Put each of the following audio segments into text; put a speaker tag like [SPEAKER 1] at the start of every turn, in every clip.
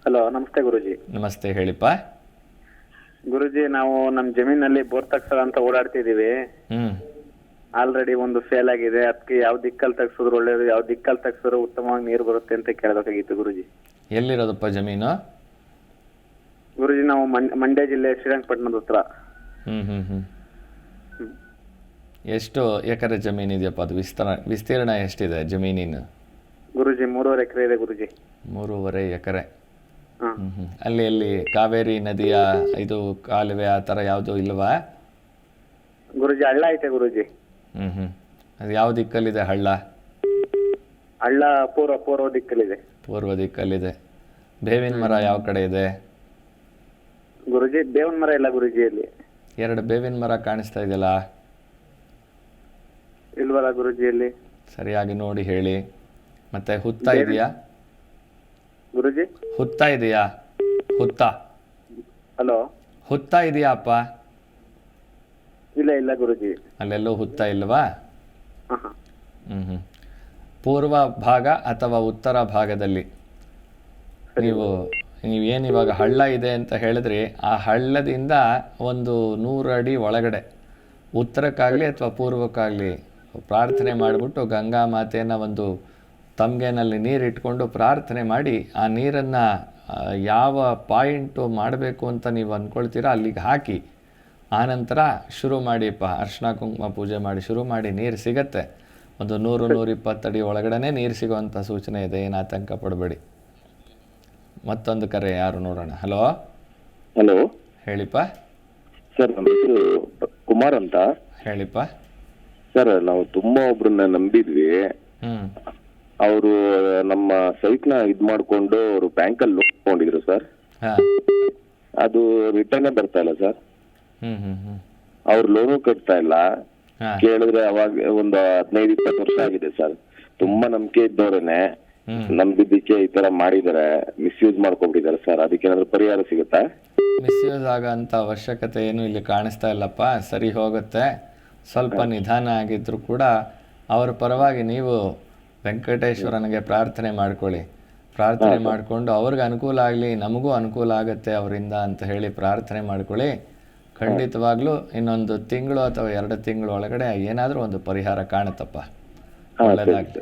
[SPEAKER 1] Hello, ನಮಸ್ತೆ ಗುರುಜಿ.
[SPEAKER 2] ನಮಸ್ತೆ, ಹೇಳಿಪ್ಪ.
[SPEAKER 1] ಗುರುಜಿ, ನಾವು ನಮ್ಮ ಜಮೀನಲ್ಲಿ ಬೋರ್ ತಗ್ಸೋಣ ಅಂತ ಓಡಾಡ್ತಿದೀವಿ. ಆಲ್ರೆಡಿ ಒಂದು ಫೇಲ್ ಆಗಿದೆ. ಅದಕ್ಕೆ ಯಾವ ದಿಕ್ಕಲ್ಲಿ ತಗ್ಸಿದ್ರು ಒಳ್ಳೇದು, ಯಾವ ದಿಕ್ಕಲ್ಲಿ ತಗ್ಸಿದ್ರು ಉತ್ತಮವಾಗಿ ನೀರು ಬರುತ್ತೆ ಅಂತ ಕೇಳಬೇಕಾಗಿತ್ತು ಗುರುಜಿ.
[SPEAKER 2] ಎಲ್ಲಿರೋದಪ್ಪ ಜಮೀನು?
[SPEAKER 1] ಗುರುಜಿ, ನಾವು ಮಂಡ್ಯ ಜಿಲ್ಲೆ ಶ್ರೀರಂಗಪಟ್ಟಣದ ಹತ್ರ.
[SPEAKER 2] ಎಷ್ಟು ಎಕರೆ ಜಮೀನು ಇದೆಯಪ್ಪ? ಅದು ವಿಸ್ತೀರ್ಣ ಎಷ್ಟಿದೆ ಜಮೀನಿನ?
[SPEAKER 1] ಗುರುಜಿ 3.5 ಎಕರೆ ಇದೆ ಗುರುಜಿ.
[SPEAKER 2] 3.5 ಎಕರೆ. ಅಲ್ಲಿ ಕಾವೇರಿ ನದಿಯ ಇದು ಕಾಲುವೆ ಆ ಥರ ಯಾವುದು ಇಲ್ವಾ?
[SPEAKER 1] ಗುರುಜಿ, ಹಳ್ಳ ಐತೆ ಗುರುಜಿ.
[SPEAKER 2] ಅದು ಯಾವ ದಿಕ್ಕಲ್ಲಿದೆ ಹಳ್ಳ?
[SPEAKER 1] ಹಳ್ಳ ಪೂರ್ವ ದಿಕ್ಕಲ್ಲಿದೆ.
[SPEAKER 2] ಪೂರ್ವ ದಿಕ್ಕಲ್ಲಿದೆ. ಬೇವಿನ ಮರ ಯಾವ ಕಡೆ ಇದೆ?
[SPEAKER 1] ಗುರುಜಿ, ಬೇವಿನ ಮರ ಇಲ್ಲ ಗುರುಜಿಯಲ್ಲಿ.
[SPEAKER 2] 2 ಬೇವಿನ ಮರ ಕಾಣಿಸ್ತಾ ಇದೆಯಲ್ಲ?
[SPEAKER 1] ಇಲ್ವಲ್ಲ ಗುರುಜಿಯಲ್ಲಿ.
[SPEAKER 2] ಸರಿಯಾಗಿ ನೋಡಿ ಹೇಳಿ. ಮತ್ತೆ ಹುತ್ತ ಇದೆಯಾ
[SPEAKER 1] ಗುರುಜಿ?
[SPEAKER 2] ಹುತ್ತ ಇದೆಯಾ? ಹುತ್ತ.
[SPEAKER 1] ಹಲೋ,
[SPEAKER 2] ಹುತ್ತ ಇದೆಯಾ ಅಪ್ಪ?
[SPEAKER 1] ಇಲ್ಲ ಗುರುಜಿ.
[SPEAKER 2] ಅಲ್ಲೆಲ್ಲೂ ಹುತ್ತ ಇಲ್ವಾ? ಪೂರ್ವ ಭಾಗ ಅಥವಾ ಉತ್ತರ ಭಾಗದಲ್ಲಿ ನೀವೇನಿವಾಗ ಹಳ್ಳ ಇದೆ ಅಂತ ಹೇಳಿದ್ರಿ, ಆ ಹಳ್ಳದಿಂದ ಒಂದು 100 ಅಡಿ ಒಳಗಡೆ ಉತ್ತರಕ್ಕಾಗಲಿ ಅಥವಾ ಪೂರ್ವಕ್ಕಾಗಲಿ ಪ್ರಾರ್ಥನೆ ಮಾಡಿಬಿಟ್ಟು ಗಂಗಾ ಮಾತೆಯನ್ನು ಒಂದು ತಮ್ಗೆನಲ್ಲಿ ನೀರಿಟ್ಕೊಂಡು ಪ್ರಾರ್ಥನೆ ಮಾಡಿ ಆ ನೀರನ್ನು ಯಾವ ಪಾಯಿಂಟು ಮಾಡಬೇಕು ಅಂತ ನೀವು ಅಂದ್ಕೊಳ್ತೀರಾ ಅಲ್ಲಿಗೆ ಹಾಕಿ ಆನಂತರ ಶುರು ಮಾಡಿಪ್ಪ. ಅರ್ಶಿನ ಕುಂಕುಮ ಪೂಜೆ ಮಾಡಿ ಶುರು ಮಾಡಿ. ನೀರು ಸಿಗತ್ತೆ. ಒಂದು 100-120 ಅಡಿ ಒಳಗಡೆ ನೀರು ಸಿಗುವಂಥ ಸೂಚನೆ ಇದೆ. ಏನು ಆತಂಕ ಪಡಬೇಡಿ. ಮತ್ತೊಂದು ಕರೆ ಯಾರು ನೋಡೋಣ. ಹಲೋ. ಹೇಳಿಪ್ಪ.
[SPEAKER 3] ಸರ್, ನಮ್ಮ ಹೆಸರು ಕುಮಾರ್ ಅಂತ.
[SPEAKER 2] ಹೇಳಿಪ್ಪ.
[SPEAKER 3] ಸರ್, ನಾವು ತುಂಬಾ ಒಬ್ರನ್ನ ನಂಬಿದ್ವಿ. ಅವರು ನಮ್ಮ ಸೈಟ್ನ ಮಾಡ್ಕೊಂಡು ಅವರು ಬ್ಯಾಂಕಲ್ಲಿ ಲೋನ್ ತಗೊಂಡಿದ್ರು ಸರ್. ಅದು ರಿಟರ್ನ್ ಬರ್ತಾ ಇಲ್ಲ ಸರ್. ಅವ್ರು ಲೋನು ಕಟ್ತಾ ಇಲ್ಲ. ಕೇಳಿದ್ರೆ ಅವಾಗ ಒಂದು 15-20 ವರ್ಷ ಆಗಿದೆ ಸರ್. ತುಂಬಾ ನಂಬಿಕೆ ಇದ್ದವ್ರೇನೆ ನಂಬಿದ್ದಕ್ಕೆ ಈ ತರ ಮಾಡಿದಾರೆ, ಮಿಸ್ಯೂಸ್ ಮಾಡ್ಕೊಂಡ್ಬಿಟ್ಟಿದ್ದಾರೆ ಸರ್. ಅದಕ್ಕೇನಾದ್ರು ಪರಿಹಾರ ಸಿಗುತ್ತಾ?
[SPEAKER 2] ಮಿಸ್ಯೂಸ್ ಆಗಂತ ಅವಶ್ಯಕತೆ ಏನು ಇಲ್ಲಿ ಕಾಣಿಸ್ತಾ ಇಲ್ಲಪ್ಪ. ಸರಿ ಹೋಗುತ್ತೆ. ಸ್ವಲ್ಪ ನಿಧಾನ ಆಗಿದ್ರು ಕೂಡ ಅವರ ಪರವಾಗಿ ನೀವು ವೆಂಕಟೇಶ್ವರನಿಗೆ ಪ್ರಾರ್ಥನೆ ಮಾಡ್ಕೊಳ್ಳಿ. ಪ್ರಾರ್ಥನೆ ಮಾಡಿಕೊಂಡು ಅವ್ರಿಗೆ ಅನುಕೂಲ ಆಗಲಿ, ನಮಗೂ ಅನುಕೂಲ ಆಗುತ್ತೆ ಅವರಿಂದ ಅಂತ ಹೇಳಿ ಪ್ರಾರ್ಥನೆ ಮಾಡ್ಕೊಳ್ಳಿ. ಖಂಡಿತವಾಗ್ಲೂ ಇನ್ನೊಂದು ತಿಂಗಳು ಅಥವಾ 2 ತಿಂಗಳು ಒಳಗಡೆ ಏನಾದರೂ ಒಂದು ಪರಿಹಾರ ಕಾಣುತ್ತಪ್ಪ. ಒಳ್ಳೆಯದಾಗಿ.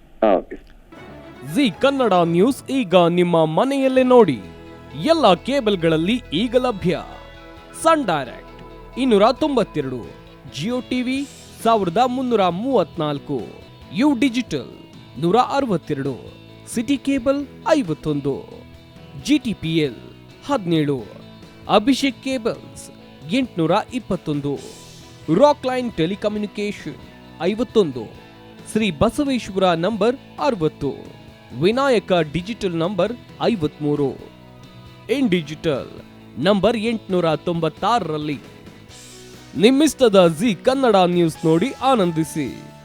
[SPEAKER 4] ಜಿ ಕನ್ನಡ ನ್ಯೂಸ್ ಈಗ ನಿಮ್ಮ ಮನೆಯಲ್ಲೇ ನೋಡಿ. ಎಲ್ಲ ಕೇಬಲ್ಗಳಲ್ಲಿ ಈಗ ಲಭ್ಯ. Sun Direct 292, Jio TV 1334, U Digital 162, City Cable 51, GTPL 17, Abhishek Cables 821, Rockline telecommunication 51, Shri Basaveshwara number 60, Vinayaka Digital number 53, In Digital number 896ರಲ್ಲಿ. ನಿಮ್ಮಿಸ್ತದ ಜಿ ಕನ್ನಡ ನ್ಯೂಸ್ ನೋಡಿ ಆನಂದಿಸಿ.